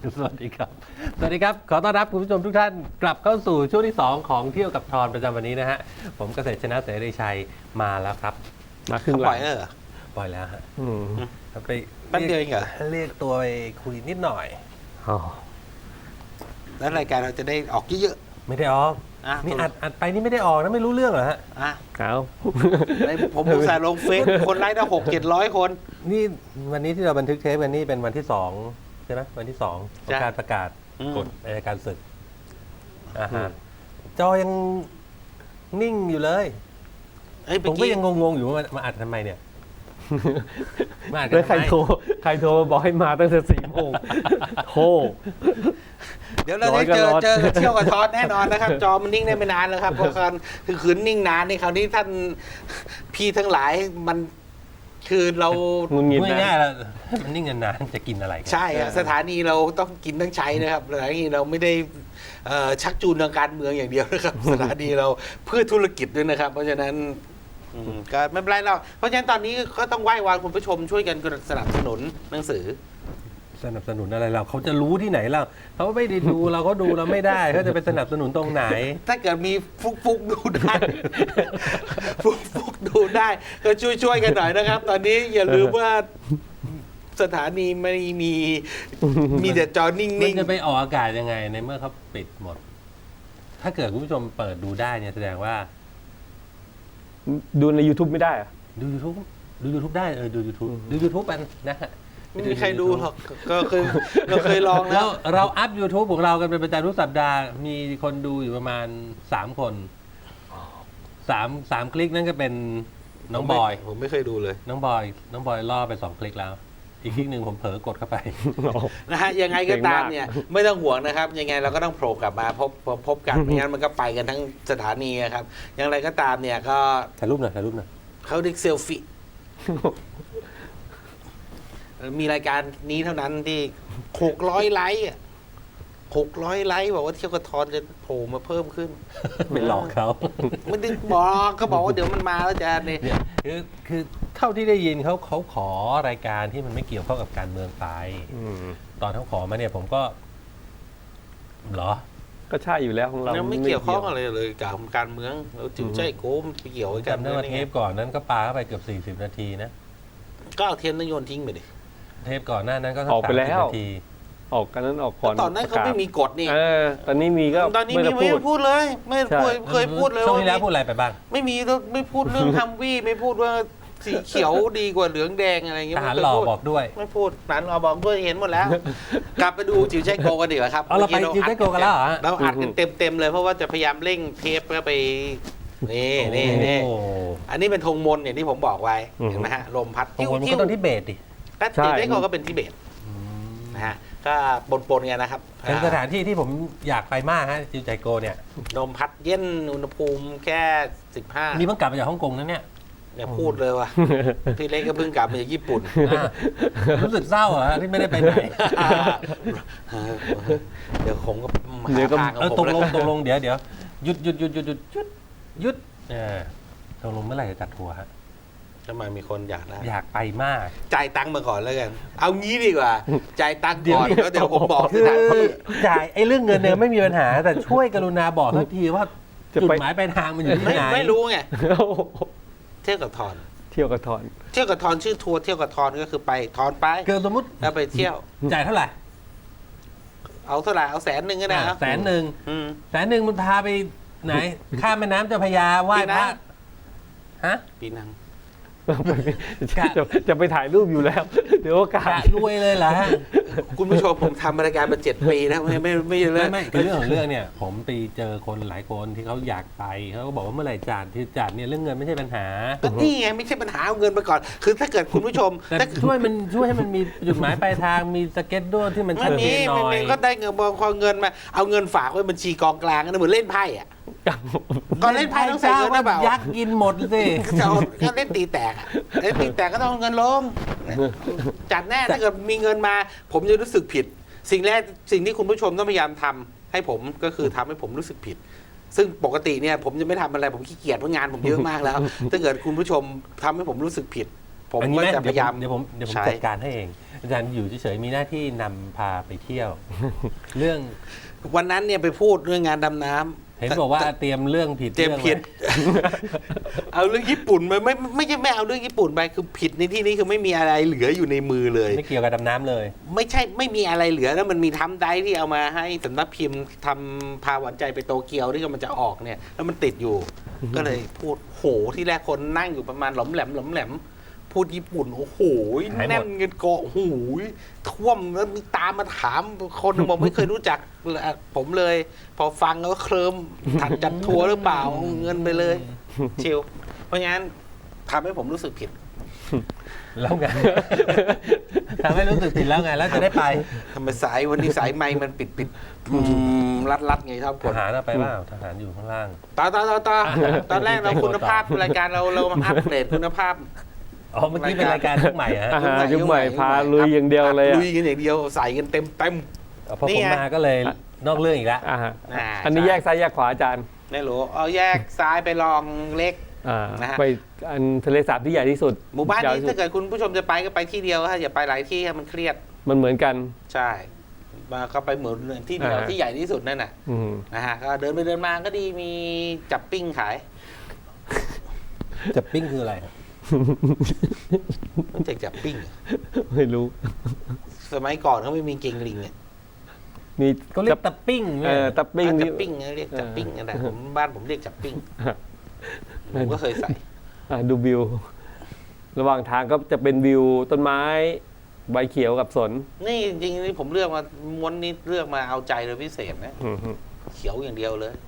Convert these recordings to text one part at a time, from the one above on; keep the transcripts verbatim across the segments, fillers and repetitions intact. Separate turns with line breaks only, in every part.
สวัสดีครับสวัสดีครับขอต้อนรับคุณผู้ชมทุกท่านกลับเข้าสู่ช่วงที่สองของเที่ยวกับทอนประจำวันนี้นะฮะผมเกษตรชนะเสรีชัยมาแล้วครับ
มาครึ่งห
ป
ลั
ล่อง ยแล้วเหรอ
ปล่อยแล้วฮะ
อืม
ไป
แป๊บเดียวเองเหรอ
เรียกตัวไปคุยนิดหน่อย
อ๋อ
แล้วรายการเราจะได้ออกเยอะ
ไม่ได้ออก
ๆอ่ะ
นี่อัดอัดไปนี่ไม่ได้ออกนะไม่รู้เรื่องเหรอฮะ
อ่ะ
เอา
ไอ้ผมอุตส่าห์ลงเฟซคนไลค์ได้หกเจ็ดร้อยคน
นี่วันนี้ที่เราบันทึกเทปกันนี่เป็นวันที่สองใช่ไหมวันที่สองของการประกาศกฎอัยการศึกอ่าฮะจอยังนิ่งอยู่เลย
เฮ้ย
ผ
เมื่
ม
อ
ก็
กี้
ยังงงๆอยู่ว่ามามาอัดทำไมเนี่ยมาอัดกั
แล้
น
วใคร
ทำไม
โทรใครโทรมาบอกให้มาตั้งแต่สี่โมงโทร
เดี๋ยวเราได้เจอ
ร้อยก็ร้อน
เจอเที่ยวกับทอดแน่นอนนะครับ จอมันนิ่งได้ไม่นานแล้วครับเพราะการคือคืนนิ่งนานในคราวนี้ท่านพี่ทั้งหลายมันคือเรา
งุนงิด
พูด
นะ
ง่ายๆแล้วมันนิ่งนานๆจะกินอะไรกัน
ใช่อะสถานีเราต้องกินต้องใช้นะครับสถานีเราไม่ได้เอ่อชักจูนทางการเมืองอย่างเดียวนะครับ สถานีเราเพื่อธุรกิจด้วยนะครับ เพราะฉะนั้นอืมก็ไม่เป็นไรเราเพราะฉะนั้นตอนนี้ก็ต้องไหว้วานคุณผู้ชมช่วยกันสนับสนุนหนังสือ
สนับสนุนอะไรเราเขาจะรู้ที่ไหนเราเขาไม่ได้ดูเราก็ดูเราไม่ได้เขาจะไปสนับสนุนตรงไหน
ถ้าเกิดมีฟุกฟุกๆดูได้ ฟุกฟุกๆดูได้ ก็ช่วยช่วยๆกันหน่อยนะครับ ตอนนี้อย่าลืมว่าสถานีไม่มีมีแต่จอนิ่
มัน
ง
จะไปออกอากาศยังไงในเมื่อเขาปิดหมด ถ้าเกิดคุณผู้ชมเปิดดูได้เนี่ยแสดงว่า
ดูใน YouTube ไม่ได้อะ
ดู YouTube ดู YouTube ได้เออดู YouTube ดู YouTube กันนะฮะ
ๆไม่มีใครดูหรอกก็เคยเราเคยลองแล้
เรา
ว
เราอัพ YouTube ของเรากันเป็นประจำทุกสัปดาห์มีคนดูอยู่ประมาณสามคนสามสามคลิกนั่นก็เป็นน้องบอย
ผมไม่เคยดูเลย
น้องบอย น้องบอยล่อไปสองคลิกแล้ว อีกคลิกหนึ่งผมเผลอกดเข้าไป
นะฮะยังไงก็ตามเนี่ยไม่ต้องห่วงนะครับ ยังไงเราก็ต้องโผล่กลับมาพบพบพบกันไม่งั้นมันก็ไปกันทั้งสถานีอะครับอย่างไรก็ตามเนี่ยก็
ถ่ายรูปหน่อยถ่ายรูปหน่อย
เขาเรียกเซลฟี่มีรายการนี้เท่านั้นที่หกร้อยไลค์อะหกร้อยไลค์บอกว่าเที่ยวกระทอนจะโผล่มาเพิ่มขึ้น
ไปหลอกเขา
ไม่ได้บอกเขาบอกว่าเดี๋ยวมันมาแล้วจะเนี่ย
เนี่ยคือคือเท่าที่ได้ยินเขาเขาขอรายการที่มันไม่เกี่ยวข้องกับการเมืองไป
อืม
ตอนเขาขอมาเนี่ยผมก็เหรอ
ก็ใช่อยู่แล้วของเรา
ยังไม่เกี่ยวข้องอะไรเลยกับการเมืองเราจิ๋วใจโก้มไปเกี่ยวกับการ
จำ
เมื
ได้
อง
ว่า
ได้
เท
ไง
ปก่อนนั้นก็ปาเข้าไปเกือบสี่สิบนาทีนะ
ก็เอาเทียนนโยนทิ้งไปดิ
เทปก่อนหน้านั้นก็สั
ออกไปแล้ว
สามสิบนาที
ออกกันนั้นออกก่อน
ตอนนั้นเขาไม่มีกฎนี่
เออตอนนี้มีก็
ตอนนี้
ไม่
มี
ต้อง
ไม่
พูด
พูดเลย ไม่
ใช่
เคยเคยพูดเลย
ช่วง
ว่า
ที่แล้วพูดอะไรไปบ้าง
ไม่มีไม่พูดเรื่องฮัมวี่ไม่พูดว่าสีเขียวดีกว่าเหลืองแดงอะไรอย่างเงี้
ท
ย
หาร
ไม่
หล่อ
เคยพูด
บอกด้วย
ไม่พูดทหารหล่อบอกด้วยเห็นหมดแล้ว กลับไปดูจิ๋วใจโกกันดีกว่าครับ
เอาเราไป
มื่อ
จิ๋วใจโกกันแล้วเหรอฮะ
เราอัดกันเต็มเต็มๆเลยเพราะว่าจะพยายามเร่งเทปเพื่อไปนี่นี่นี่
โอ้
อันนี้เป็นธงมนต์อย่างที่ผมบอกไว้เห็นไหมฮะลมพัด
โหมันก็ต้องที่เบสดิ
แป๊บ
ใช่
จิ๋วใจโกก็เป็นทิเบตนะฮะก็ปนๆกันนะครับ
เป็นสถานที่ที่ผมอยากไปมากฮะจิวใจโกเนี่ย
ลมพัดเย็นอุณหภูมิแค่สิบห้า
นี่เพิ่งกลับมาจากฮ่องกงนะเนี่ย
เนี่ยพูดเลยว่ะ พี่เล็กก็เพิ่งกลับมาจากญี่ปุ่น
อ่ะรู้สึกเศร้าเหรอฮะที่ไม่ได้ไปไหน
เดี๋ยวผมก็หา
เดี๋ยวก็
ทางข
เอ
อง
อ
ผม
ตกลง
แล้ว
ตกลงเดี๋ยวเดี๋ยวหยุดหยุดหยุดหยุดหยุดหยุดหยุดเออตกลงเมื่อไหร่จะจัดทัวร์ฮะ
ทำไมมีคนอยากได้
อยากไปมาก
จ่ายตังค์มาก่อนแล้วกัน เอางี้ดีกว่า จ่ายตังค์
เดี๋ยว
ก่อนแล้วเดี๋ยวผมบอก
คื
ส
อ
ถานที่
จ่ายไอ้เรื่องเงินเนี่ยไม่มีปัญหา แต่ช่วยกรุณาบอกสักทีว่า
จะ
จุด
ไป
หมายปลายทางมันอยู่ที่
ไม่
ไหน
ไม่รู้ไง เที่ยวกับทอน
เที่ยวกับทอน
เที่ยวกับทอนชื่อทัวร์เที่ยวกับทอนก็คือไปทอนไป
เกินสมมติ
แล้วไปเที่ยว
จ่ายเท่าไหร่
เอาเท่าไหร่เอาแสนหนึ่งก็ได้ครับ
แสนหนึ่ง
อืม
แสนหนึ่งมันพาไปไหน ข้ามแม่น้ำเจ้าพระยาไหว้พระฮะ
ปีนัง
จะจะไปถ่ายรูปอยู่แล้ว เดี๋ยวโอกาส
กะรวยเลยเหรอฮะ
คุณผู้ชมผมทำรายการมาเจ็ดปีนะไม่ไม่ไม่เล
ไม่
ย
ไม่คือเรื่องของเรื่องเนี่ย ผมไปเจอคนหลายคนที่เขาอยากไปเขาก็บอกว่าเมื่อไหร่จัดที่จัดเนี่ยเรื่องเงินไม่ใช่ปัญหา
ก็นี่ไงไม่ใช่ปัญหาเอาเงินไปก่อน คือถ้าเกิดคุณผู้ชม
แต่
ถ้า
ช่วยมันช่วยให้มันมีจุดหมายปลายทางมีสเก็ตด้วยที่มัน
ไม่
ชัด
มี
เจนหน่
ไม่
อย
มีก็ได้เงินบางพอเงินมาเอาเงินฝากไว้บัญชีกองกลางนะเหมือนเล่นไพ่อะก่อนเล่นไพ่ต้องใส่เงินนะเปล่า
ยักษ์กินหมดสิ
จะเอาก็เล่นตีแตกอะเล่นตีแตกก็ต้องเอาเงินลงจัดแน่ถ้าเกิดมีเงินมา ผมจะรู้สึกผิด สิ่งแรกสิ่งที่คุณผู้ชมต้องพยายามทำให้ผมก็คือทำให้ผมรู้สึกผิด ซึ่งปกติเนี่ยผมจะไม่ทำอะไรผมขี้เกียจเพราะงานผมเยอะมากแล้ว ถ้าเกิดคุณผู้ชมทำให้ผมรู้สึกผิดผม
อันนี้
ก็
ไหม
จะพยายาม
เดี๋ยวผมเดี๋ยวผม
ใช้
จัดการให้เอง อาจารย์อยู่เฉยๆมีหน้าที่นำพาไปเที่ยว เรื่อง
วันนั้นเนี่ยไปพูดเรื่องงานดำน้ำ
เห็นบอกว่าเตรียมเรื่องผิด
เตรียม
อง
ผิด
ไว้
เอาเรื่องญี่ปุ่นไปไม่ไม่ใช่ไม่เอาเรื่องญี่ปุ่นไปคือผิดในที่นี้คือไม่มีอะไรเหลืออยู่ในมือเลย
ไม่เกี่ยวกับดำน้ำเลย
ไม่ใช่ไม่มีอะไรเหลือแล้วมันมีทำได้ที่เอามาให้สำนักพิมพ์ทำพาหวานใจไปโตเกียวที่กำลังจะออกเนี่ย แล้วมันติดอยู่ ก็เลยพูดโหที่แรกคนนั่งอยู่ประมาณหลอมแหลมหลอมแหลมพูดญี่ปุ่นโอ้โหแน่นเงินเกาะโอ้โหท่วมแล้วมีตามมาถามคนหนึ่งบอกไม่เคยรู้จักผมเลย พอฟังแล้วก็เคลิมถัดจัดทัวร์หรือเปล่าเอาเงินไปเลยชิลเพราะงั้นทำให้ผมรู้สึกผิด
แล้วไง ทำให้รู้สึกผิดแล้วไง แล้วจะได้ไป
ทำไมสายวันนี้สายไม้มันปิดปิดรัดรัดไงครับ
ท
กด
หารเอาไปเปล่าทหารอยู่ข้างล่าง
ต่อต่อต่อต่อตอนแรกเราคุณภาพรายการเราเรามาอัปเดตคุณภาพ
อ๋อ เมื่อกี้เป็นรายการยุคใหม่ฮะ
อาหารยุคใหม่พาลุยอย่างเดียวเลยอะ
ลุยกันอย่างเดียวใส่กันเต็มเต็ม
พอ
นี่
ผม
ไง
มาก็เลยนอกเรื่องอีกแล้ว
อ่าฮะ
อ่า
อันนี้
ใช่
แยกซ้ายแยกขวาอาจารย์
ไม่รู้เอาแยกซ้ายไปลองเล็ก
อ่า
นะฮะ
ไปอันทะเลสาบที่ใหญ่ที่สุด
หมู่บ้าน
ยาว
นี้
ที่สุ
ถ้า
ด
เกิดคุณผู้ชมจะไปก็ไปที่เดียวฮะอย่าไปหลายที่ฮะมันเครียด
มันเหมือนกัน
ใช่มาก็ไปเหมือนที่เดียว
อ่า
ที่ใหญ่ที่สุดนั่นน่ะ
อืม
นะฮะก็เดินไปเดินมาก็ดีมีจับปิ้งขาย
จะปิ้งคืออะไรครับ
มันจะจับปิ้ง
ไม่รู้
สมัยก่อนเขาไม่มีเกงลิงเนี่ย
มี
ก็เรียกตะปิ้ง
เออตะปิ้ง
จั
นี่
บปิ้งนะเรียกจับปิ้งนั่นแหละ
เออ
ผมบ้านผมเรียกจับปิ้งผมก็เคยใส่
อ่ะดูวิว ระหว่างทางก็จะเป็นวิวต้นไม้ ใบเขียวกับสน
นี่จริงๆนี่ผมเลือกมาม้วนนี้เลือกมาเอาใจเลยพิเศษนะ
อืม
เขียวอย่างเดียวเลย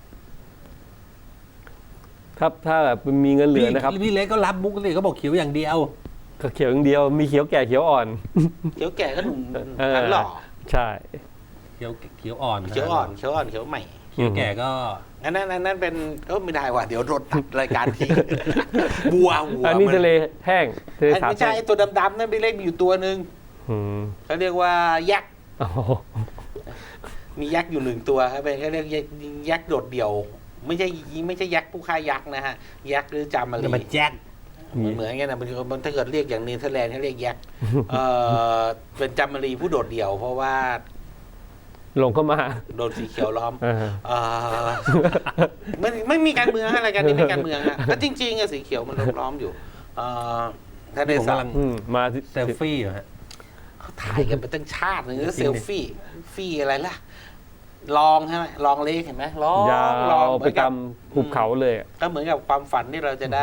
ครับถ้าแบบมีเงินเหลือนะครับ
พี่เล็กก็รับมุกสิเขาบอกเขียวอย่างเดียว
ก็เขียวอย่างเดียว มีเขียวแก่เขียวอ่อน
เขียวแก่ก็หนุ่ม
เออ
หันหล่อ
ใช่
เขียวเขียวอ่อน
เขียวอ่อนเขียวอ่อนเขียวใหม่
เขียวแก่ก็
อันนั้นอันนั้นเป็นเออไม่ได้ว่ะเดี๋ยวโดนตัดรายการที บัวบัว
อันนี้
มั
ทะเลแห้งทะเล
อัน
สาบ
ไม่ใช่
แห้ง
ไอ้ตัวดำๆนั่นพี่เล็กมีอยู่ตัวหนึ่ง
อืม
เขาเรียกว่ายักษ์
อ๋อ
มียักษ์อยู่หนึ่งตัวครับเป็นเขาเรียกยักษ์ยักษ์โดดเดี่ยว ไม่ใช่ไม่ใช่ยักษ์ผู้ฆ่ายักษ์นะฮะยักษ์หรือจามารี
มันแจ็ค
เหมือนเหมือนกันนะมันถ้าเกิดเรียกอย่างเนเธอร์แลนด์เขาเรียกยักษ์เออเป็นจามารีผู้โดดเดี่ยว เพราะว่า
ลงเข้ามา
โดนสีเขียวล้อม
เออ
เออไม่ไม่มีการเมืองอะไรายกันนี่ไม่การเมืองฮะก็จริงๆอะสีเขียวมันล้อมอยู่เออทะเล
ผม
สาบ
กำลัง
อืมมาที่
เซลฟี่อยู่ฮะ
เขาถ่ายกันไปตั้งชาติหนึงแล้ว
จริ
เซ
ง
ล
ดิ
ฟี่ฟี่อะไรล่ะลองใช่ไหมลองเล็กเห็นไหมลอง
ยา
ลอง
ว
เห
ไป
มือนกับ
ตามหุบเขาเลยอะ
ก็เหมือนกับความฝันที่เราจะได้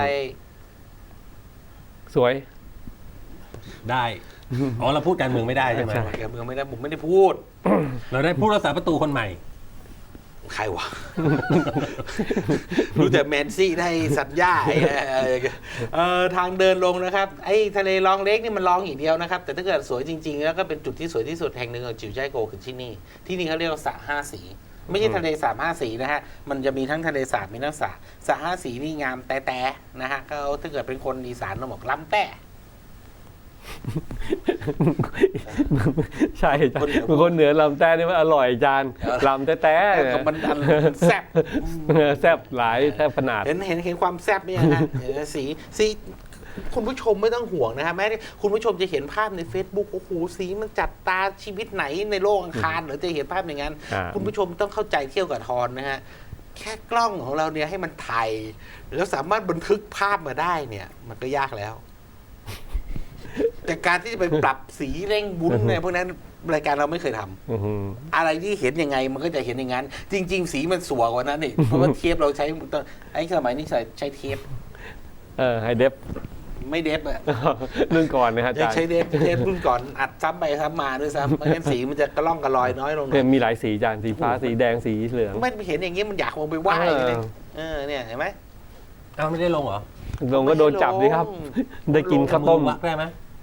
สวย
ได้อ๋อเราพูดการเมืองไม่ได้ใช่ไหม
ใช่
การเมืองไม่ได้ผมไม่ได้พูด
เราได้ผู้รักษาประตูคนใหม่
ใครวะ รู้แต่แมนซี่ได้สัญญาไอ้เอ่อทางเดินลงนะครับไอ้ทะเลลองเล็กนี่มันลองอย่างเดียวนะครับ แต่ถ้าเกิดสวยจริงๆ แล้วก็เป็นจุดที่สวยที่สุดแห่งหนึ่งของจิวใจโกคือที่นี่ ที่นี่เขาเรียกว่าสระห้าสี ไม่ใช่ทะเลสาบห้าสีนะฮะมันจะมีทั้งทะเลสาบมีทั้งสระสระห้าสีนี่งามแต่แต่นะฮะก็ถ้าเกิดเป็นคนอีสานเราบอกล้ำแต่
ใช่จานบางคนเหนือลำแต่นี่มันอร่อยจานลำแต่แต่
แล้วก็มันอันแซ่บ
แซ่บหลายแซ่บขนาด
เห็นเห็นเห็นความแซ่บไหมฮะ เห็นไหมสีสีคุณผู้ชมไม่ต้องห่วงนะฮะแม้ที่คุณผู้ชมจะเห็นภาพใน Facebook โอ้โหสีมันจัดตาชีวิตไหนในโลกอังคารหรือจะเห็นภาพอย่างนั้น
อ่า
คุณผู้ชมต้องเข้าใจเที่ยวกับทอนนะฮะแค่กล้องของเราเนี่ยให้มันถ่ายแล้วสามารถบันทึกภาพมาได้เนี่ย มันก็ยากแล้ว แต่การที่จะไปปรับสีเร่งบุ้นเนี่ยพวกนั้นรายการเราไม่เคยทำ
อื้อหือ
อะไรที่เห็นยังไงมันก็จะเห็นอย่างนั้น จริง ๆ สีมันสวยกว่านั้นนี่ เพราะว่าเทปเราใช้ไอ้สมัยนี้ใช้ใช้เทป
เออไฮเดฟ
ไม่เดฟอะ
รุ่นก่อนนะฮะอา
ยั
จาง รย์
ใช้เดฟเทปรุ่นก่อนอัดซ้ำไปซ้ำมาด้วยซ้ำไม่งั้นสีมันจะกระล่องกระลอยน้อยลงหน่
เนี่ย
อย
มีหลายสีจานสีฟ้าสีแดงสีเหลือง
ไม่เห็นอย่างเงี้ยมันอยากลงไปไหว้
เออ
เลยเออเนี่ยเห็นไหม
เอ้าไม่ได้ลงเหรอ
ลงก็โดนจับดิครับ ได้กินข้าวต้ม
วักได้ไหม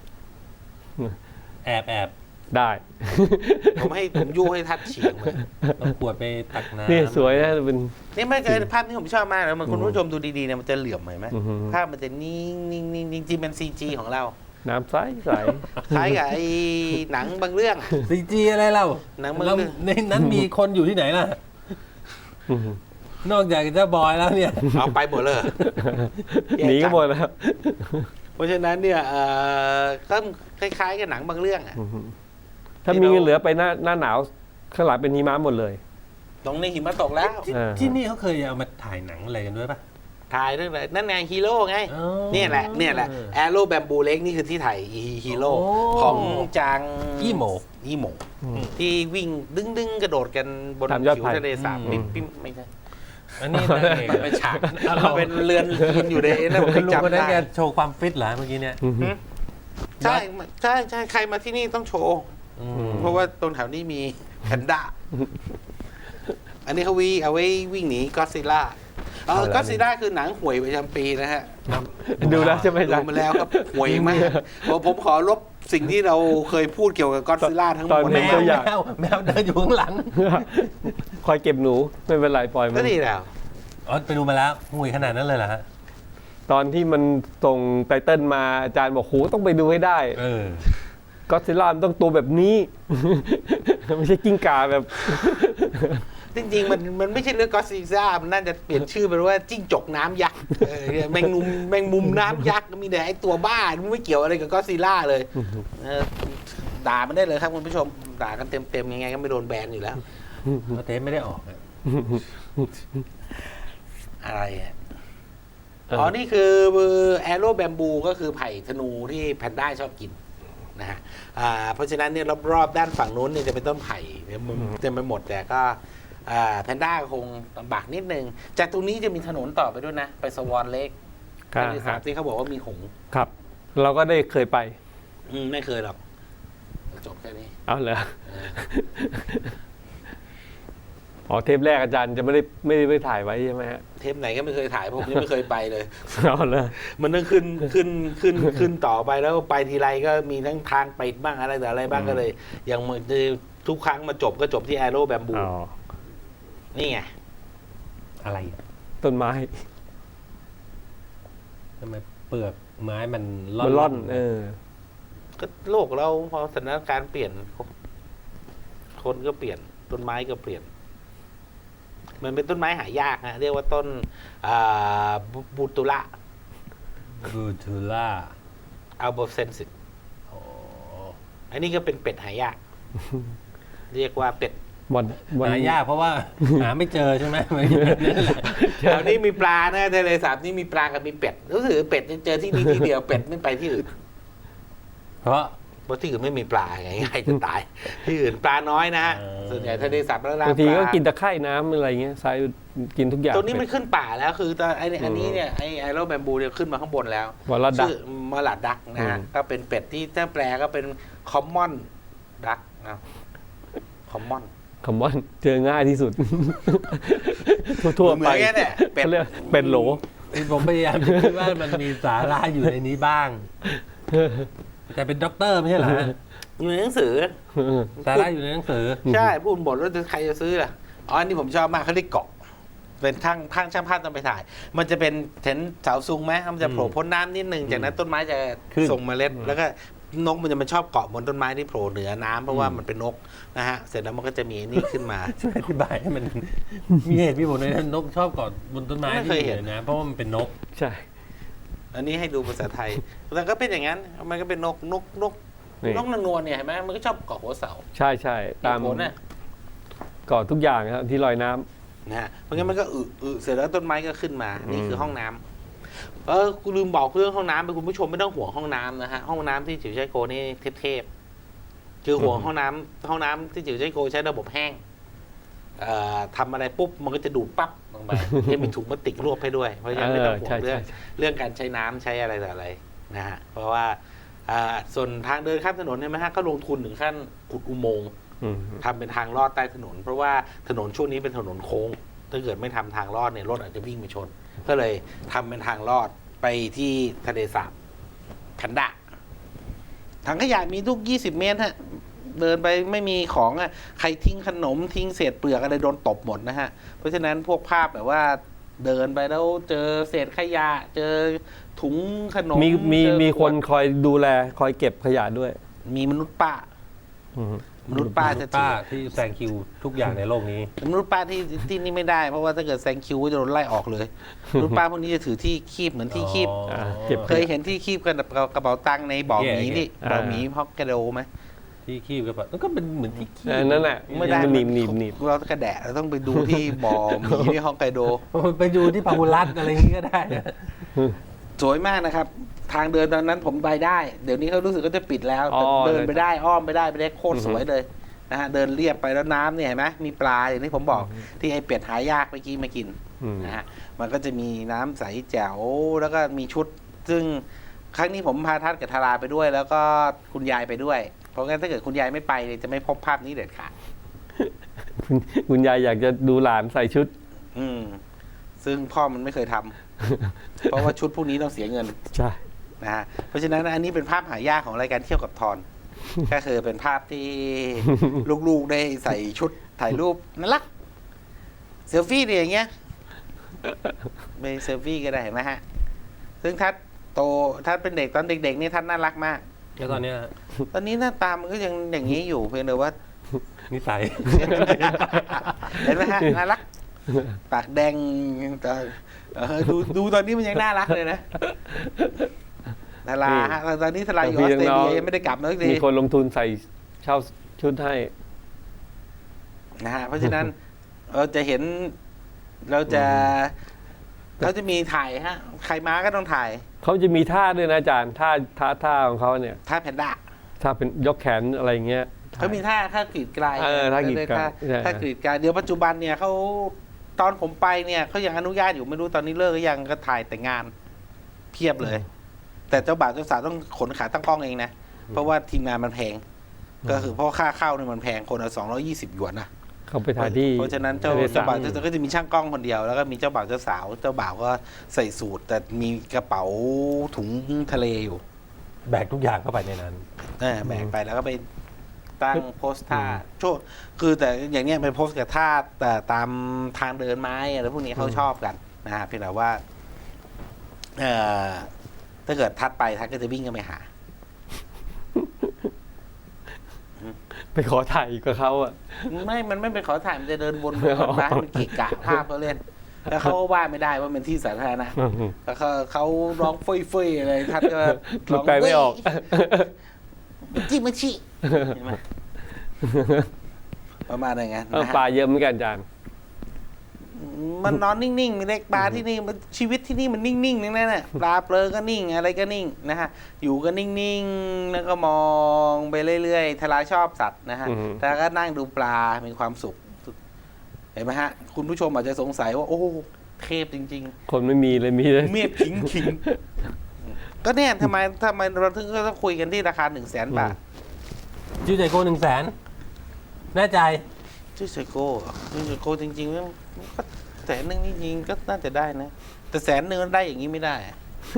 แอบแอบ
ได้
ผมให้ผมยู่ให้ทัดเฉียงเลย
เอาขวดไปตักน้ำ
นี่สวยนะเป็น
นี่ไม่เคยภาพที่ผมชอบมากเลยมันคุณผู้ชมดูดีๆเนี่ยมันจะเหลื่อมเห็นไหม
อื้อหือ
ภาพมันจะนิ่งนิ่งนิ่งจริงๆเป็นซีจีของเรา
น้ำใสใส
คล้ายกับไอ้หนังบางเรื่อง
ซีจีอะไรเล่า
หนังมัน
แล้วในนั้นมีคนอยู่ที่ไหนล่ะ
อื้อหือน
อกจากเจ้าบอยแล้วเนี่ย
เอาไปหมดเลย
หนีกันหมดแล้ว
เพราะฉะนั้นเนี่ยเอ่อก็คล้ายๆกับหนังบางเรื่องอะ
ถ้ามีเงินเหลือไปหน้าหน้าหนาวข้างหลังเป็นหิมะหมดเลย
ตรงนี้หิมะตกแล้ว
ที่
อ่า
ที่นี่เขาเคยเอามาถ่ายหนังอะไรกันด้วยป่ะ
ถ่ายเรื่องอะไรนั่นไงฮีโร่ไง
อ๋อ
เนี่ยแหละเนี่ยแหละแอโร่แบมบูเล็กนี่คือที่ถ่ายฮีโร่
โอ้
ของจาง
อี้โหม
อี้โหมที่วิ่งดึงดึงๆกระโดดกันบน
ตามยอด
ผิว
ไผ่
ทะเลสาบ
อืม
ปิ๊มปิ๊มไม่ใช่
อันนี้นางเอก
มันเป็นฉากมันเป็นเรือนกินอยู่ในนั่นผม
คุณลุงคน
จำ
นั้น
ได้
แกโชว์ความฟิตเหรอเมื่อกี้เนี่ย
อืม
หืมใช่ใช่ใช่ใครมาที่นี่ต้องโชว์
อืม
เพราะว่าตรงแถวนี้มีแพนด้า อันนี้เขาวิ่งเอาไว้วิ่งหนีก็ซิล่าเออก็ซิล่าคือหนังห่วยประจำปีนะฮะ
ดูแล้วใช่ไหม
ดู
จ๊ะ
มาแล้วครับห่วยมากผมผมขอลบสิ่งที่เราเคยพูดเกี่ยวกับก็ซิล่าทั้งหม
ตอ
ด
น
แม
นี้
ว
ตัวอ
แม
ย่าง
วแมวเดินอยู่ข้างหลัง
คอยเก็บหนูไม่เป็นไรปล่อยมั
ก็
น
ดีแล้ว
อ๋อไปดูมาแล้วห่วยขนาดนั้นเลยเหรอฮะ
ตอนที่มันส่งไตเติ้ลมาอาจารย์บอกโหต้องไปดูให้ได้
เออ
ก็อดซิลล่ามันต้องตัวแบบนี้ ไม่ใช่กิ้งก่าแบบ
จริงๆมันมันไม่ใช่เรื่องก็ซิล่ามันน่าจะเปลี่ยนชื่อเป็นว่าจิ้งจกน้ำยักษ์เออแมงมุมแมงมุมน้ำยักษ์มีแต่ไอตัวบ้ามันไม่เกี่ยวอะไรกับก็ซิล่าเลยเออด่ามันได้เลยครับคุณผู้ชมด่ากันเต็มๆยังไงก็ไม่โดนแบนอยู่แล้ว
เพราะเทปไม่ได้ออกอะ
อะไรอ่ะ
เอออ๋
อ๋อ นี่คือแอโร่แบมบูก็คือไผ่ธนูที่แพนด้าชอบกินนะฮะอ่าเพราะฉะนั้นเนี่ยรอบๆด้านฝั่งนู้นเนี่ยจะเป็นต้นไผ่เนี่ยมันเต็มไปหมดแต่ก็อ่าแพนด้าคงลำบากนิดนึง จากตรงนี้จะมีถนนต่อไปด้วยนะ ไปสวอนเลก
ครับ
ที่สามที่เขาบอกว่ามีหงส์
ครับ เราก็ได้เคยไป
อืมไม่เคยหรอก จบแค่นี้
เอาเหรอ
เออ
อ๋อเทปแรกอาจารย์จะไม่ได้ไม่ได้ไปถ่ายไว้ใช่ไหมฮะ
เทปไหนก็ไม่เคยถ่ายเพราะผมยังไม่เคยไปเลย
เอาเลย
มันต้องขึ้นขึ้นขึ้นขึ้นต่อไปแล้วไปทีไรก็มีทั้งทางปิดบ้างอะไรแต่อะไรบ้างก็เลยอย่างเหมือนทุกครั้งมาจบก็จบที่แอโร่แบมบู
อ๋อ
นี่ไง
อะไรอะ
ต้นไม้
ทำไมเปลือกไม้มัน
มันร่อน เออ
ก็โลกเราพอสถานการณ์เปลี่ยน คนก็เปลี่ยนต้นไม้ก็เปลี่ยน มันเป็นต้นไม้หายากฮะเรียกว่าต้นอ่าบูบูตุระ
บูทูล่า
อัลโบเซนซิ
โอ้
อันนี้ก็เป็นเป็ดหายาก เรียกว่าเป็ด
วันวัน
หายากเพราะว่า หาไม่เจอใช่ไหมมันอยู่แบบนั่นแหละ
แถวนี้มีปลานะทะเลสาบนี่มีปลากับมีเป็ดรู้สึกเป็ดเจอที่นี่ที่เดียวเป็ดไม่ไปที่อื่น
เพราะ
เพราะที่อื่นไม่มีปลาไงง่ายจะตาย ที่อื่นปลาน้อยนะฮะ
เออ
ส่วนใหญ่ทะเลสาบแล้ว
บางที
ปล
ก็กินตะไคร่น้ำอะไรเงี้ยทรายกินทุกอย่าง
ตัวนี้มันขึ้นป่าแล้วคือตอนไอ้นี่อันนี้เนี่ยไอ้ไอโรแบมบูเนี่ยขึ้นมาข้างบนแล้ว
วอลลัดดัก
ชื่อมาลาดดักนะฮะ
อืม
ก็เป็นเป็ดที่ถ้าแปลก็เป็นคอมมอนดักนะคอมมอน
คำว่าเจอง่ายที่สุด ทั่วๆ
เหมื
ไป
อนกันเนี่ยเป็ด
เขาเรียกเป็ดโหล
ผมพยายามจะคิดว่ามันมีสาระอยู่ในนี้บ้าง แต่เป็นด็อกเตอร์ไม่ใช่เหรอฮะ
อยู่ในหนังสือ
สาระอยู่ในหนังสือ
ใช่พูดบทแล้วใครจะซื้อล่ะอ๋ออันนี้ผมชอบมากเขาเรียกเกาะ เป็นทางทางช่างภาพต้องไปถ่าย มันจะเป็นเห็นเสาซุงไหมมันจะโผล่พ้นน้ำนิดนึงจากนั้นต้นไม้จะ
ขึ้น
ส่งเมล็ดแล้วก็นกมันจะมันชอบเกาะบนต้นไม้ที่โผล่เหนือน้ำเพราะว่ามันเป็นนกนะฮะเสร็จแล้วมันก็จะมีนี่ขึ้นมา
ช่วยอธิบายให้มัน มีเหตุมีผลในนกชอบเกาะบนต้นไม้
ไม่เคยเห็น
ที่นะ เพราะว่ามันเป็นนก
ใช่
อันนี้ให้ดูภาษาไทยแต่ก็เป็นอย่างนั้นมันก็เป็นนกนกนก
นี่
นกนางนวลเนี่ยเห็นไหมมันก็ชอบเกาะหัวเสา
ใช่ใช่ตาม
เหตุผลน่ะ
เกาะทุกอย่างครับที่ลอยน้ำ
นะฮะเพราะงั้นมันก็อึอึเสร็จแล้วต้นไม้ก็ขึ้นมา นี่คือห้องน้ำเออกูลืมบอกเรื่องห้องน้ำไปคุณผู้ชมไม่ต้องห่วงห้องน้ำนะฮะห้องน้ำที่จิ๋วใจโกนี่เทพๆคือห่วงห้องน้ำห้องน้ำที่จิ๋วใจโกใช้ระบบแห้งเอ่อทำอะไรปุ๊บมันก็จะดูดปั๊บลงไป ให้มีถุงพลาสติกรวบให้ด้วย เพราะฉะนั้นไม่ต้องห่ว
ใช่
งเรื่อง
ใช่
เรื่องการใช้น้ำใช้อะไรต่ออะไรนะฮะเพราะว่าอ่าส่วนทางเดินข้ามถนนเนี่ยไหมฮะก็ลงทุนถึงขั้นขุดอุโมงค์
อืม
ทำเป็นทางลอดใต้ถนน เพราะว่าถนนช่วงนี้เป็นถนนโค้ง ถ้าเกิดไม่ทำทางลอดเนี่ยรถอาจจะวิ่งไปชน ก็เลยทำเป็นทางลอดไปที่ทะเลสาบแพนด้าถังขยะมีทุกยี่สิบเมตรฮะเดินไปไม่มีของอ่ะใครทิ้งขนมทิ้งเศษเปลือกอะไรโดนตบหมดนะฮะ เพราะฉะนั้นพวกภาพแบบว่าเดินไปแล้วเจอเศษขยะ เจอถุงขนม
มีมี
เจอ
มี
ข
ค
วด
นคอยดูแลคอยเก็บขยะด้วย
มีมนุษย์ป้า
อืม
มนุษย์ป้าจะ
ป้าที่แซงคิวทุกอย่างในโลกนี้
มนุษย์ป้าที่ที่นี่ไม่ได้เพราะว่าถ้าเกิดแซงคิวก็จะโดนไล่ออกเลยมนุษย์ป้าพวกนี้จะถือที่คีบเหมือนที่คีบ
อ๋ออ่
าเก็บ
เคยเห็นที่คีบกันกับกระเป๋าตังค์ในบ่อหมี
โอเค
นี่
อ่า
บ่อหมีฮอกไกโดไหม
ที่คีบกับมันก็เป็นเหมือนที่คีบ
เออนั่นแหละ
ไม่ได้
มันหนีบหนีบหนีบ
เรากระแดะเราต้องไปดูที่บ่อหมีที่ฮอกไกโด
ไปดูที่พาหุรัตอะไรอย่างนี้ก็ได้นะ
สวยมากนะครับ ทางเดินตอนนั้นผมไปได้ เดี๋ยวนี้เขารู้สึกก็จะปิดแล้ว
อ๋อ
แต่เดินไปได้อ้อมไปได้ไปได้โคตรสวยเลยนะฮะเดินเรียบไปแล้วน้ำเนี่ยเห็นไหมมีปลาอย่างที่ผมบอกที่ไอเป็ดหายากเมื่อกี้มากิน
อืม
นะฮะมันก็จะมีน้ำใสแจ๋วแล้วก็มีชุด ซึ่งครั้งนี้ผมพาทัดกับทาราไปด้วย แล้วก็คุณยายไปด้วย เพราะงั้นถ้าเกิดคุณยายไม่ไปเนี่ยจะไม่พบภาพนี้เด็ดขาด
คุณคุณยายอยากจะดูหลานใส่ชุด
อืมซึ่งพ่อมันไม่เคยทำ เพราะว่าชุดพวกนี้ต้องเสียเงิน
ใช่
นะฮะเพราะฉะนั้นอันนี้เป็นภาพหายากของรายการเที่ยวกับทอน ก็คือเป็นภาพที่ ลูกๆได้ใส่ชุดถ่ายรูปน่ารักเซลฟี่เนี่ยอย่างเงี้ยไปเซลฟี่ก็ได้เห็นไหมฮะ ซึ่งทัดโตทัดเป็นเด็กตอนเด็กๆนี่ทัดน่ารักมาก
แล้วตอนเนี้ย
ตอนนี้หน้าตามันก็ยังอย่างนี้อยู่เพียงแต่ว่า
นิสัย
เห็นไหมฮะน่ารัก ปากแดงแต่เออดูดูตอนนี้มันยังน่ารักเลยนะทาราฮะตอนนี้ทาราอยู่ออสเตรเลียยังไม่ได้กลับมาสักที
มีคนลงทุนใส่เช่าชุดให้
นะฮะเพราะฉะนั้น เราจะเห็นเราจะเราจะมีถ่ายฮะ ใครมาก็ต้องถ่าย
เขาจะมีท่าด้วยนะอาจารย์ท่าท่าท่าของเขาเนี่ย
ท่าแพนด้า
ถ้าเป็นยกแขนอะไรเงี้ย
เขามีท่าท่ากรีดกลาย
เออท่ากรีดกลาย
ท่า
ใช่
ท่ากรีดกลายเดี๋ยวปัจจุบันเนี่ยเขาตอนผมไปเนี่ยเขายังอนุญาตอยู่ไม่รู้ตอนนี้เลิกหรือยังก็ถ่ายแต่งงานเพียบเลย แต่เจ้าบ่าวเจ้าสาวต้องขนขาตั้งกล้องเองนะเพราะว่าทีมงานมันแพง ก็คือเพราะค่าเข้าเนี่ยมันแพงคนละสองร้อยี่สิบหยวนนะ
เขาไปถ่ายที่
เพราะฉะนั้นเจ้า
ทะเลส
เจ้า
บ
บ่าวเจ้าสาวก็จะมีช่างกล้องคนเดียวแล้วก็มีเจ้าบ่าวเจ้าสาวเจ้าบ่าวก็ใส่สูทแต่มีกระเป๋าถุงทะเลอยู่
แบกทุกอย่างเข้าไปในนั้น
เออแบกไปแล้วก็ไปตั้งโพสท่าโชว์คือแต่อย่างเนี้ยไปโพสกับท่าแต่ตามทางเดินไม้อะไรพวกนี้เขาชอบกันนะฮะเพียงแต่ว่าเอ่อถ้าเกิดทัดไปทัดก็จะวิ่งกันไปหา
ไปขอถ่ายกับเขาอ่ะ
ไม่ มันไม่ไปขอถ่ายมันจะเดินวนไปวนมาให้มันเกะกะภาพเขาเล่น แล้วเขาก็ว่าไม่ได้ว่าเป็นที่สาธารณะแล้วเขาเขาร้องเฟ้ยเฟ้ยๆอะไรทัดก็
พูดไปไม่ออก
มันจิมันชิเห็นไหมประมาณอย่างนั้น
เออ
นะ
ปลา
ฮะ
เยอะเหมือนกันอาจารย์
มันนอนนิ่งๆมีเล็กปลาที่นี่มันชีวิตที่นี่มันนิ่งๆนั่นแหละปลาเปลือก็นิ่งอะไรก็นิ่งนะฮะอยู่ก็นิ่งๆแล้วก็มองไปเรื่อยๆทลายชอบสัตว์นะฮะ
อือฮึ
แล้วก็นั่งดูปลามีความสุขเห็นไหมฮะคุณผู้ชมอาจจะสงสัยว่าโอ้เทพจริง
คนไม่มีเลยมีเลย
ๆ เมียบขิงขิงก็เนี่ยทำไมทำไมเราถึงก็ต้องคุยกันที่ราคาหนึ่งแสนบาท
จิวใจโก้หนึ่งแสนแน่ใจ
ชื่อไซโก้เหรอชื่อไซโก้จริงๆมันก็แสนหนึ่งนี่จริงก็น่าจะได้นะ แต่แสนหนึ่งมันได้อย่างนี้ไม่ได้อะ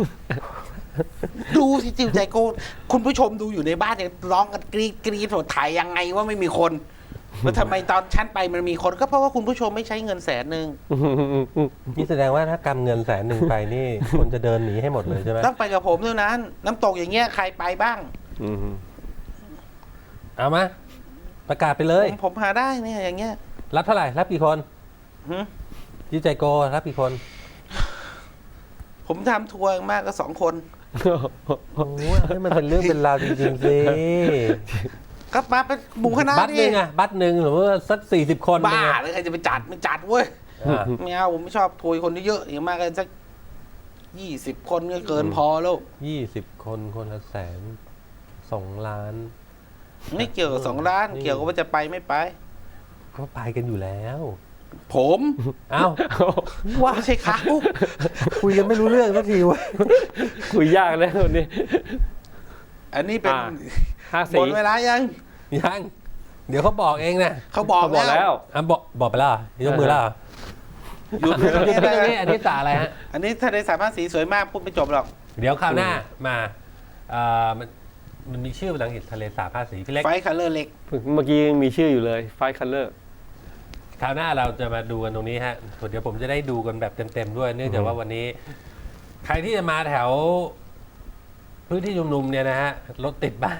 ดูสิจิวใจโก้คุณผู้ชมดูอยู่ในบ้านเนี่ยร้องกันกรีดกรีดโถถ่ายยังไงว่าไม่มีคนแล้วทำไมตอนชั้นไปมันมีคนก็เพราะว่าคุณผู้ชมไม่ใช้เงินแสนหนึ่ง
นี่แสดงว่าถ้ากำเงินแสนหนึ่งไปนี่ คนจะเดินหนีให้หมดเลยใช่ไหม
ต้องไปกับผมเท่านั้น น้ำตกอย่างเงี้ยใครไปบ้าง
อืม
เอามา ประกาศไปเลย
ผมผมหาได้เนี่ยอย่างเงี้ย
รับเท่าไหร่ รับกี่คน
หึ
จิวใจโก้รับกี่คน
ผมทำทัวร์มากก็สองคน
โอ้ยให้มันเป็นเรื่องเป็นราวจริงๆสิ
ก็มาเป็นหมู่คณะ
บัตรหนึ่งอะบัตรหนึ่งหรือว่าสักสี่สิบคน
บ้า
เป็นไง
เลยใครจะไปจัดไม่จัดเว้ย
อ่า
ไม่เอาผมไม่ชอบทัวร์คนเยอะๆอย่างมากก็สักยี่สิบคนก็เกินพอแล้ว
ยี่สิบคนคนละแสนสองล้าน
ไม่เกี่ยวกับสองล้าน
นี่
เกี่ยวกับว่าจะไปไม่ไป
ก็ไปกันอยู่แล้ว
ผม
เอ้า
ว่าไม่ใช่เขา
คุยกันไม่รู้เรื่องสักทีเวะ
คุยยากแล้วคนนี้
อันนี้เป็น
อ่า ห้า
ห
สี
มดเวลายัง
ยัง เดี๋ยวเขาบอกเองนะ
เขาบอก
เขาบอก
แล้
แล้ว ว
อ่ะบอกบอกไปแล้วเหรอยกมือแล้วเหรอ
หยุดตรง
หยุด
นี้
ที่ตรง
ได้
นี้อันนี้ตาอะไรฮะ
อันนี้ถ้าในสามภาษาสีสวยมากพูดไม่จบหรอก
เดี๋ยวคราวหน้ามาเอ่อมันมันมีชื่อภาษาอังกฤษทะเลสาบภาษีพี่เล็ก
ไฟคัลเลอร์เล็ก
เมื่อกี้ยังมีชื่ออยู่เลยไฟคัลเลอร์
คราวหน้าเราจะมาดูกันตรงนี้ฮะเดี๋ยวผมจะได้ดูกันแบบเต็มๆด้วย เนื่องจากว่าวันนี้ ใครที่จะมาแถว พื้นที่ชุมนุมเนี่ยนะฮะรถติดบ้าง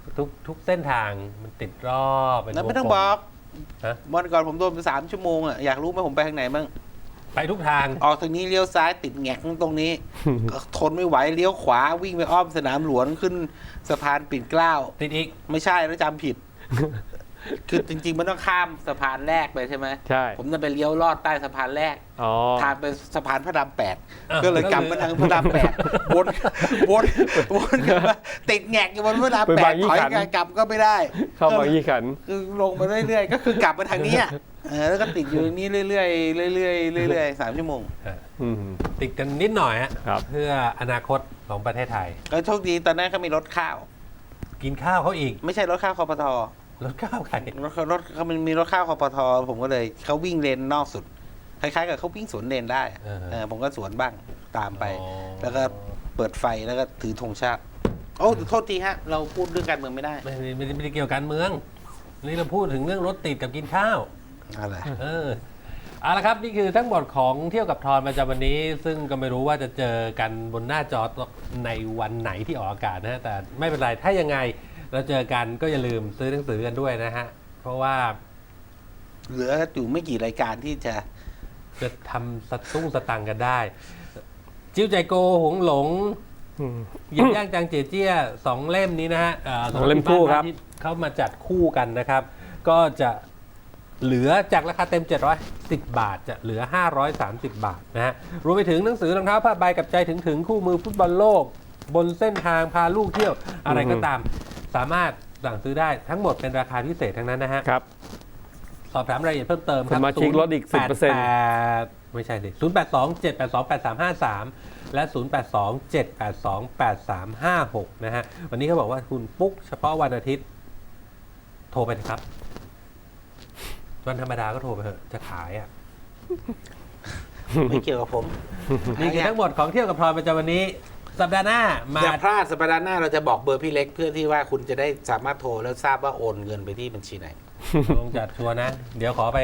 ทุกทุกเส้นทางมันติดรอบเป็น
แล้วไม่
ว
ต้อง
กล
บอก
ฮะ
วันก่อนผมโดนไปสามชั่วโมงอ่ะอยากรู้ไหมผมไปทางไหนบ้าง
ไปทุกทาง
ออกทางนี้เลี้ยวซ้ายติดแงกตรงนี้ ทนไม่ไหวเลี้ยวขวาวิ่งไปอ้อมสนามหลวงขึ้นสะพานปิ่นเกล้า
ติดอีก
ไม่ใช่แล้วจำผิด คือจริงๆมันต้องข้ามสะพานแรกไปใช่ไหม
ใช่
ผมจะไปเลี้ยวลอดใต้สะพานแรก
อ๋อ
ทางไปสะพานพระรามแปด
อ่ะ
ก็เลยกลับมาทางพระรามแปดวนวนวนกลับมาติดแงกอยู่บนพระราม
ไป
แป
บา
ด
งยี่
ถอย
ขัน
กลับก็ไม่ได้
เข้าบางยี่ขัน
คือลงมาเรื่อยๆ ก็คือกลับมาทางนี้อ่ะเออแล้วก็ติดอยู่นี้เรื่อยๆเรื่อยๆเรื่อยๆสามชั่วโมง
อืม
ติดกันนิดหน่อยฮะ
ครับ
เพื่ออนาคตของประเทศไทย
ก็โชคดีตอนนั้นเขามีรถข้าว
กินข้าวเขาอีก
ไม่ใช่รถข้าวคอปท
รถข้าวใคร
รถรถเขามันมีรถข้าวคอปทผมก็เลยเขาวิ่งเลนนอกสุดคล้ายๆกับเขาวิ่งสวนเลนได้อะ
เออ
เออผมก็สวนบ้างตามไป
อ๋อ
แล้วก็เปิดไฟแล้วก็ถือธงชาติโอ้โทษทีฮะ เราพูดเรื่องการเมืองไม่ได้
ไม่ไม่ไม่ได้ไม่ได้เกี่ยวกับการเมือง นี่เราพูดถึงเรื่องรถติดกับกินข้าว
อะไร
เออเอาละครับนี่คือทั้งหมดของเที่ยวกับทอนประจำวันนี้ ซึ่งก็ไม่รู้ว่าจะเจอกันบนหน้าจอในวันไหนที่ออกอากาศนะฮะแต่ไม่เป็นไรถ้ายังไงเราเจอกันก็อย่าลืมซื้อหนังสือกันด้วยนะฮะเพราะว่า
เหลืออยู่ไม่กี่รายการที่จะ
จะทำสตุ้งสตังค์กันได้ จิ้วใจโกหงหลง
อืม
หยิบย่างจางเจียเจี้ยสองเล่มนี้นะฮะอ่า
สองเล่มคู่ครับ
ที่เขามาจัดคู่กันนะครับ ก็จะเหลือจากราคาเต็ม เจ็ดร้อยสิบ บาท จะเหลือ ห้าร้อยสามสิบ บาทนะฮะรวมไปถึงหนังสือรองเท้าผ้าใบกับใจถึงถึงคู่มือฟุตบอลโลก บนเส้นทางพาลูกเที่ยวอะไรก็ตาม สามารถสั่งซื้อได้ทั้งหมดเป็นราคาพิเศษทั้งนั้นนะฮะ
ครับ
สอบถามรายละเอียดเพิ่มเติมครับ
สมาชิกลดอีก
ศูนย์ แปด
สิบเปอร์เซ็นต์
แปด ไม่ใช่สิศูนย์ แปด สอง เจ็ด แปด สอง แปด สาม ห้า สาม และ ศูนย์ แปด สอง เจ็ด แปด สอง แปด สาม ห้า หก นะฮะ วันนี้เขาบอกว่าคุณปุ๊กเฉพาะวันอาทิตย์ โทรไปนะครับ วันธรรมดาก็โทรไปเถอะ จะขายอ่ะ
ไม่เกี่ยวกับผม
นี่คือทั้งหมดของเที่ยวกับพลอยประจำวันนี้ สัปดาห์หน้ามา
อย่าพลาดสัปดาห์หน้าเราจะบอกเบอร์พี่เล็กเพื่อที่ว่าคุณจะได้สามารถโทรแล้วทราบว่าโอนเงินไปที่บัญชีไหน
ลงจัดชัวร์นะ เดี๋ยวขอไป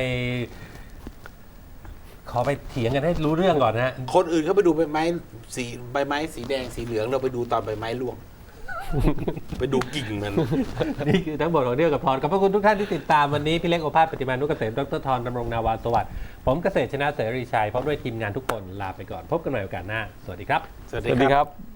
ขอไปเถียงกันให้รู้เรื่องก่อนนะฮะ
คนอื่นเขาไปดูใบไม้สีใบไม้สีแดงสีเหลืองเราไปดูตอนใบไม้ร่วง ไปดูกิ่งมัน
นี่คือทั้งหมดของเที่ยวกับพรขอบพระคุณทุกท่านที่ติดตามวันนี้ พี่เล็กโอภาสปฏิมานุกเกษมดรธรดำรงนาวาสวัสดิ์ผมเกษตรชนะเสรีชัยพร้อมด้วยทีมงานทุกคนลาไปก่อน พบกันใหม่โอกาสหน้า สวัสดีครับ
สวัส
ส
ดี
วัส
ค
ดี
รับ
ครับ